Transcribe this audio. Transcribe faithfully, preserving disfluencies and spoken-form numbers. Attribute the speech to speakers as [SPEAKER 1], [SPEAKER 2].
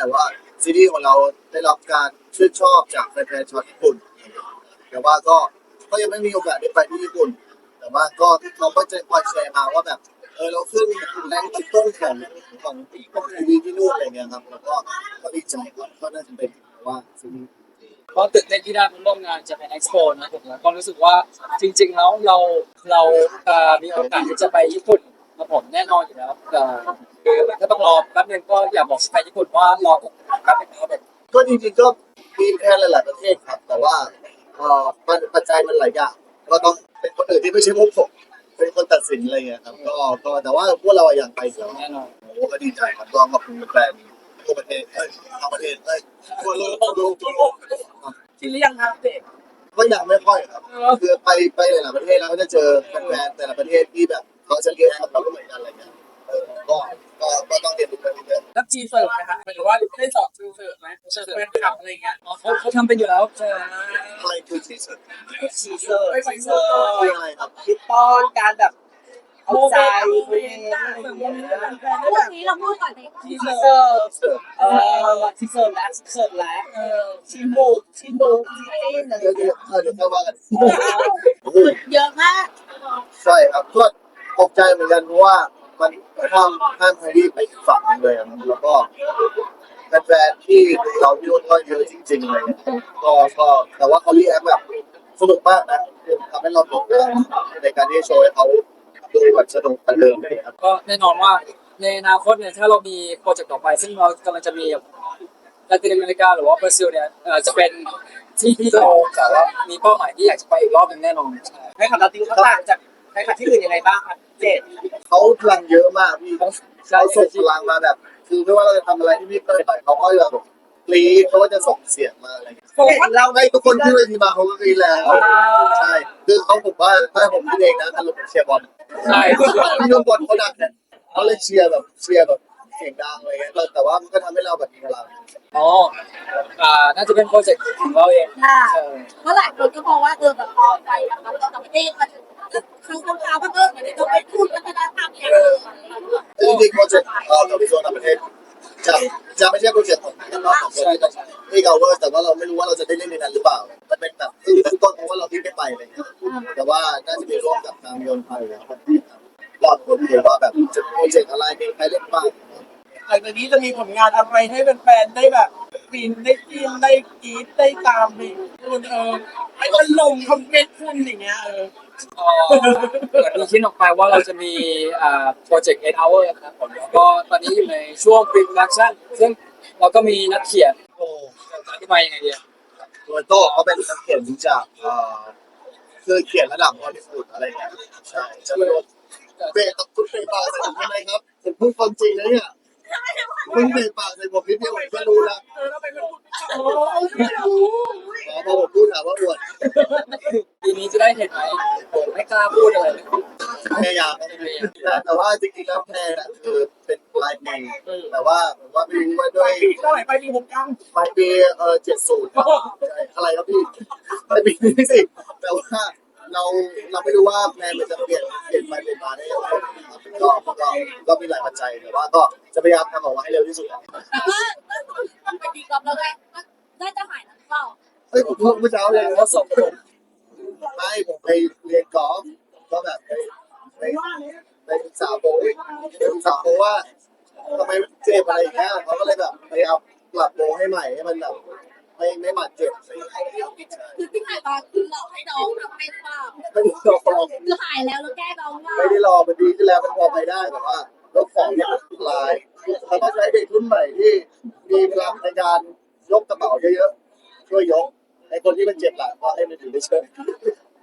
[SPEAKER 1] แต่ว่าซีรีส์ของเราได้รับการชื่นชอบจากแฟนๆชาวญี่ปุ่นแต่ว่าก็ก็ยังไม่มีโอกาสได้ไปที่ญี่ปุ่นแต่ว่าก็เขาก็จะคอยแชร์มาว่าแบบเออเราขึ้นแรงต้นของของของทีวีที่นู่นอะไรเงี้ยครับแล้วก็ก็ดีใจครับก็น่าจะเป็นว่าซีรีส์
[SPEAKER 2] ก็ตื่นเต้นที่ได้มาร่วมงานจะเป็นเอ็กซ์โปนะผมแล้วก็รู้สึกว่าจริงๆแล้วเราเราเอ่อมีโอกาสที่จะไปญี่ปุ่นนะผมแน่นอนอยู่แล้วเอ่อคือถ้าต้องรอแป๊บนึงก็อยากบอกไปญี่ปุ่นว่ารอแป๊บนึงนะครับผม
[SPEAKER 1] ก็จริงๆก็มีแค่หลายๆประเทศครับแต่ว่าเอ่อมันปัจจัยมันหลายอย่างก็ต้องเป็นคนอื่นที่ไม่ใช่พวกผมเป็นคนตัดสินอะไรเงี้ยครับก็ก็แต่ว่าพวกเราอยากไปอยู่แล้ว
[SPEAKER 2] แน่นอน
[SPEAKER 1] โอ้ก็ดีใจครับก็ขอบคุณแฟนทั่วประเทศเอ้ยทั่วประเทศเอ้ยทั่วโลกทั่วโลกทั่วโลก
[SPEAKER 2] ที่เรียงครับเด็ก
[SPEAKER 1] ก็ยังไม่ค่อยครับคือไปไปหลายๆประเทศแล้วก็จะเจอแฟนๆแต่ละประเทศที่แบบเขาจะเรียนกับเราไม่เหมือนกันอะไรเงี้ยเออก็ก็ก็ต้องเรียนรู้กันเรื่อย
[SPEAKER 3] รับจีเสิร์ฟไหมคะหมายถึงว่าได้สอบจีเสิร์ฟไหมเสิร์ฟเป็นขับอะไรเงี้ย
[SPEAKER 2] อ๋อเขาเขาทำเป็นอยู่แล้ว
[SPEAKER 3] เออ
[SPEAKER 1] ๆอะไรคือที่สุด
[SPEAKER 3] จีเสิร์ฟจีเสิร์ฟ
[SPEAKER 1] คืออะไรครับ
[SPEAKER 3] คิดป้อนการแบบเอาใจเพลงอะไรอย่างเงี้ย
[SPEAKER 4] พูดนี้เราพูดก่อนเลย
[SPEAKER 3] จีเสิร์ฟเออจีเสิร์ฟแล้วจีเสิร์ฟแล้วเออชิมบุกชิมบุกจีเอ็นอะไร
[SPEAKER 1] เดี๋ยว
[SPEAKER 3] เงี้
[SPEAKER 1] เดี๋ย
[SPEAKER 3] ยว
[SPEAKER 1] เดี๋ยวเข้ามากันโอ้โห
[SPEAKER 4] เยอะมาก
[SPEAKER 1] ใช่ครับก็ตกใจเหมือนกันเพราะว่ามันข้ามข้ามไทยที่ไปอีกฝั่งหนึ่งเลยอะแล้วก็แฟนๆที่เราที่นู่นก็เยอะจริงๆเลยก็ก็แต่ว่าเขาเรียกแบบสนุกมากนะคือทำให้เราตกในการที่โชว์ให้เขาดูแบบสนุกกันเดิมเลยครับ
[SPEAKER 2] ก็แน่นอนว่าในอนาคตเนี่ยถ้าเรามีโปรเจกต์ต่อไปซึ่งเรากำลังจะมีลาตินอเมริกาหรือว่าบราซิลเนี่ยเอ่อจะเป็นที่ที่เราแต่ว่ามีเป้าหมายที่อยากจะไปอีกรอบหนึงแน่นอน
[SPEAKER 3] ให้ขับลาตินเขาต่างจากให้ขับที่อื่นยังไงบ้างครับเจด
[SPEAKER 1] เขาพลังเยอะมากพี่เขาส่งพลังมาแบบ คือไม่ว่าเราจะทำอะไรที่พี่เคยไปเขาก็จะแบบกรี๊ดเขาก็จะส่งเสียงมาอะไรอย่างเงี้ย
[SPEAKER 3] โฟกัสเรา
[SPEAKER 1] ให้ทุกคนที่เวทีมาเขาก็กรี๊ดแล้วใช่คือเขาผมว่าถ้าผมคิดเองนะถ้าเราเชียร์บอล
[SPEAKER 2] ใช่
[SPEAKER 1] พี่ดูบอลเขาดังเนี่ยเขาเลยเชียร์แบบเชียร์แบบเสียงดังอะไรเงี้ยแต่ว่ามันก็ทำให้เราแบบมีพลัง
[SPEAKER 2] อ๋ออ่าน่าจะเป็นโปรเจกต์ของเราเอง
[SPEAKER 4] ค่ะ
[SPEAKER 2] ใช่
[SPEAKER 4] เมื่อหลายคนก็มองว่าเออแบบพอไปแบบเราต่างประเทศมันคือคำถามว่าเออเหมือนต้องไปพูดวัฒนธรรมเนี่ย
[SPEAKER 1] จริงๆโปรเจกต์เราจะไปโซนต่างประเทศจะจะไม่ใช่โปรเจกต์ของเราของคนที่ที่เราเวอร์แต่ว่าเราไม่รู้ว่าเราจะได้เล่นในนั้นหรือเปล่ามันเป็นแบบคือต้นต้นเพราะว่าเราที่ไม่ไปอะไรเงี้ยแต่ว่าน่าจะมีร่วมกับทางยนต์ไทยนะครับรอดคนเดียวว่าแบบจะโปรเจกต์อะไรมีใครเล่นบ้าง
[SPEAKER 3] หลังจากนี้จะมีผลงานอะไรให้แฟนๆได้แบบฟินได้ฟินได้กรี๊ดได้ตามไปคุณเออให้มันลงคอมเมนต์คุณอย่างเงี้ยเออ
[SPEAKER 2] เอ่อเหมือนมีคิดออกไปว่าเราจะมีอ่าโปรเจกต์eight hour ครับผมแล้วก็ตอนนี้อยู่ในช่วง pre-production ซึ่งเราก็มีนักเขียนโอ้อธิบายยังไงดี
[SPEAKER 1] โดยโต้เขาเป็นนักเขียนจากเอ่อคือเขียนระดับฮอลลีวูดอะไรเงี้ยใช่จะไม่รู้เบรกกับคุณเบรกปากใส่ผมทำไมครับผมพูดความจริงนะเนี่ยคุณเบรกปากใส่ผมนิดเดียวผมก็รู้แล้ว
[SPEAKER 3] เออแล้วไปพูดโอ้
[SPEAKER 1] อ๋อพอผมพูดถามว่าอวด
[SPEAKER 2] ปีนี้จะได้เห็นไหมผมไม่กล้าพูดอะไรเลย
[SPEAKER 1] พยายามนะแต่ว่าจริงๆแล้วแพนอ่ะคือเป็นลายเพลงแต่ว่าผมว่าไม่รู้ว่าด้วย
[SPEAKER 3] ปีเท่าไหร่ไปปีหกเก้า
[SPEAKER 1] ปลายปีเออเจ็ดศูนย์อะไรครับพี่ปลายปีนี้สิแต่ว่าเราเราไม่รู้ว่าแพนมันจะเปลี่ยนเปลี่ยนไปเปลี่ยนมาได้ยังไงก็ก็ก็มีหลายปัจจัยแต่ว่าก็จะพยายามทำออกมาให้เร็วที่สุด
[SPEAKER 4] แต่ว่ามันไปดีกอล์ฟแล้วไงน่าจะหายแล้วเปล่า
[SPEAKER 1] เฮ้ยผมพูดเมื่อเช้าเลย
[SPEAKER 2] เขาส่งผม
[SPEAKER 1] ไม่ผมไปเรียนกอล์ฟก็แบบไปไปไปศึกษาโปรไปศึกษาโปรว่าทำไมเจ็บอะไรอย่างเงี้ยเขาก็เลยแบบพยายามปรับโปรให้ใหม่ให้มันแบบไม่ไม่บาดเจ็บอะไรอย่างเงี้ย
[SPEAKER 4] คือที่หายตอนคือเราให้น้องทำให้เปล่า
[SPEAKER 1] ไม่ได้รอ
[SPEAKER 4] คือหายแล้วแล้วแก้น้องว่า
[SPEAKER 1] ไม่ได้รอมันดีขึ้นแล้วมันพอไปได้แต่ว่าแล้วของเนี่ยมันลายเราต้องใช้เด็กรุ่นใหม่ที่มีพลังในการยกกระเป๋าเยอะๆช่วยยกไอ้คนที่มันเจ็บหลังก็ให้มันถือไปเชิญ